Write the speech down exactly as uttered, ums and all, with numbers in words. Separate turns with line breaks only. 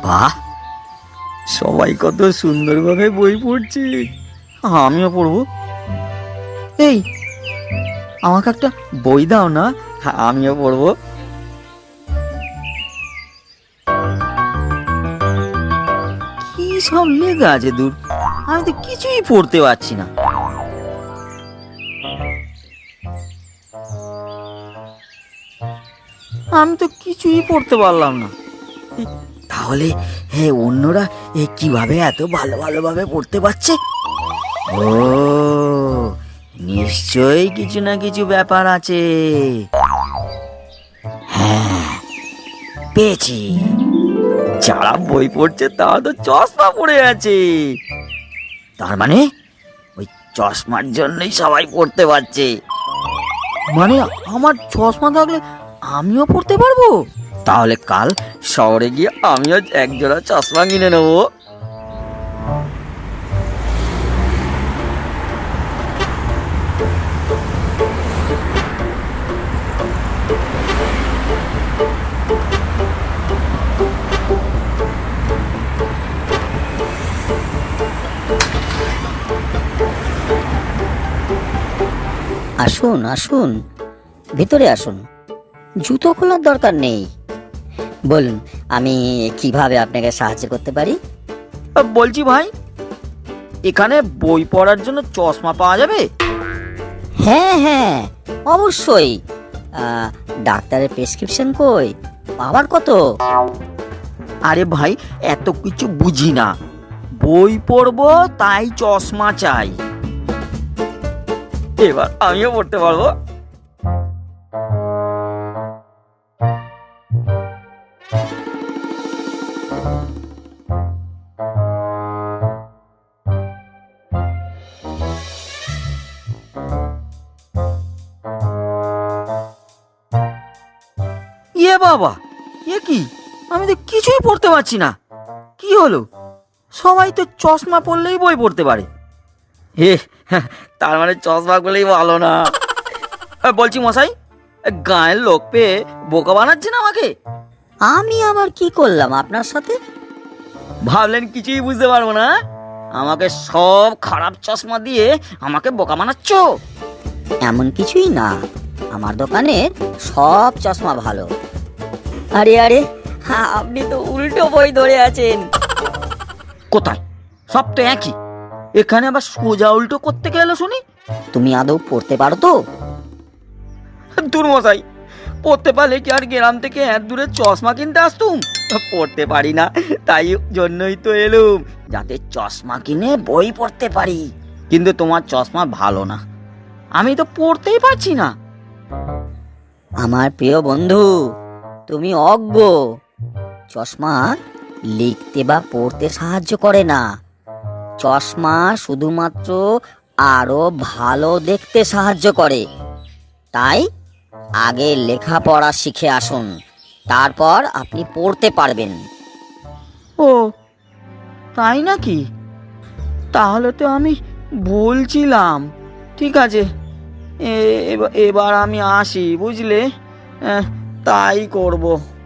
বাহ, সবাই কত সুন্দরভাবে বই পড়ছে, আমিও পড়বো। এই, আমাকে একটা বই দাও না, আমিও পড়বো। কি সব লেখা আছে দূর, আমি তো কিছুই পড়তে পারছি না। আমি তো কিছুই পড়তে পারলাম না। তাহলে হ্যাঁ, অন্যরা এ কিভাবে এত ভালো ভালোভাবে পড়তে পারছে? ও, নিশ্চয়ই কিছু না কিছু ব্যাপার আছে। হ্যাঁ, পেয়েছি। যারা বই পড়ছে তারা তো চশমা পড়ে আছে, তার মানে ওই চশমার জন্যই সবাই পড়তে পারছে। মানে আমার চশমা থাকলে আমিও পড়তে পারবো? তাহলে কাল শহরে গিয়ে আমিও একজোড়া চশমা কিনে নেবো।
আসুন আসুন, ভেতরে আসুন। জুতো খোলার দরকার নেই। বলুন, আমি কিভাবে আপনাকে সাহায্য করতে পারি?
বলছি ভাই, এখানে বই পড়ার জন্য চশমা পাওয়া যাবে?
হ্যাঁ হ্যাঁ, অবশ্যই। আহ, ডাক্তারের প্রেসক্রিপশন কই? পাওয়ার কত?
আরে ভাই, এত কিছু বুঝি না, বই পড়বো তাই চশমা চাই। এবার আমিও পড়তে পারবো। ইয়ে বাবা, এ কি, আমি তো কিছুই পড়তে পারছি না। কি হলো? সবাই তো চশমা পরলেই বই পড়তে পারে। হে, তার মানে চশমা পরলেই ভালো না। বলছি মশাই, গায়ের লোক পেয়ে বোকা বানাচ্ছেন আমাকে।
আমি আবার কি করলাম আপনার সাথে?
ভাবলেন কিছুই বুঝতে পারবো না? আমাকে সব খারাপ চশমা দিয়ে আমাকে বোকা বানাচ্ছ?
এমন কিছুই না, আমার দোকানে সব চশমা ভালো। আরে আরে, হ্যাঁ, আপনি তো উল্টো বই ধরে আছেন।
কোথায়? সব তো একই, এখানে আবার সোজা উল্টো করতে গেল শুনি।
তুমি আদৌ পড়তে পারো তো?
দূর মশাই, পড়তে পারলে কি আর গ্রাম থেকে এত দূরে চশমা কিনতে আসতুম? পড়তে পারি না, তাই জন্যই তো এলুম, যাতে চশমা কিনে বই পড়তে পারি। কিন্তু তোমার চশমা ভালো না, আমি তো পড়তেই পারছি না।
আমার প্রিয় বন্ধু, তুমি অজ্ঞ। চশমা লিখতে বা পড়তে সাহায্য করে না, চশমা শুধুমাত্র আরো ভালো দেখতে সাহায্য করে। তাই আগে লেখাপড়া শিখে আসুন, তারপর আপনি পড়তে পারবেন।
ও, তাই নাকি? তাহলে তো আমি বলছিলাম। ঠিক আছে, এ- এবার আমি আসি, বুঝলে? আহ, তাই করব।